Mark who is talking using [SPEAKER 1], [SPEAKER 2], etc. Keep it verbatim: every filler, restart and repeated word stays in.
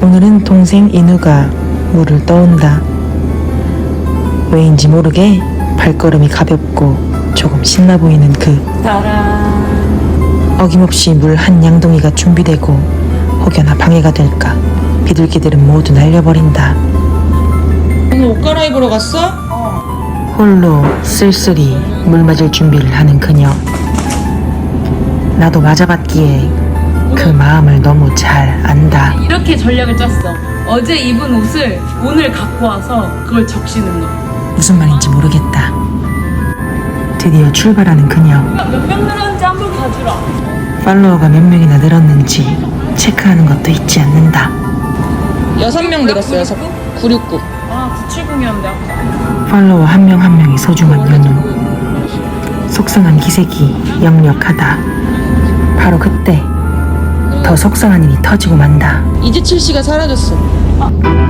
[SPEAKER 1] 오늘은 동생 인우가 물을 떠온다. 왜인지 모르게 발걸음이 가볍고 조금 신나 보이는 그 어김없이 물 한 양동이가 준비되고 혹여나 방해가 될까 비둘기들은 모두 날려버린다.
[SPEAKER 2] 오늘 옷 갈아입으러 갔어?
[SPEAKER 1] 홀로 쓸쓸히 물 맞을 준비를 하는 그녀. 나도 맞아봤기에 그 마음을 너무 잘 안다.
[SPEAKER 3] 이렇게 전략을 짰어. 어제 입은 옷을 오늘 갖고 와서 그걸 적시는 거.
[SPEAKER 1] 무슨 말인지 모르겠다. 드디어 출발하는 그녀.
[SPEAKER 3] 몇 명 늘었는지 한번 봐주라.
[SPEAKER 1] 팔로워가 몇 명이나 늘었는지 체크하는 것도 잊지 않는다.
[SPEAKER 2] 여섯 명 늘었어, 여섯. 구육구.
[SPEAKER 3] 아, 구칠공이었는데 아까.
[SPEAKER 1] 팔로워 한 명 한 명이 소중한 연우. 속상한 기색이 역력하다. 바로 그때 더 속상한 일이 터지고 만다.
[SPEAKER 2] 이지칠 씨가 사라졌어.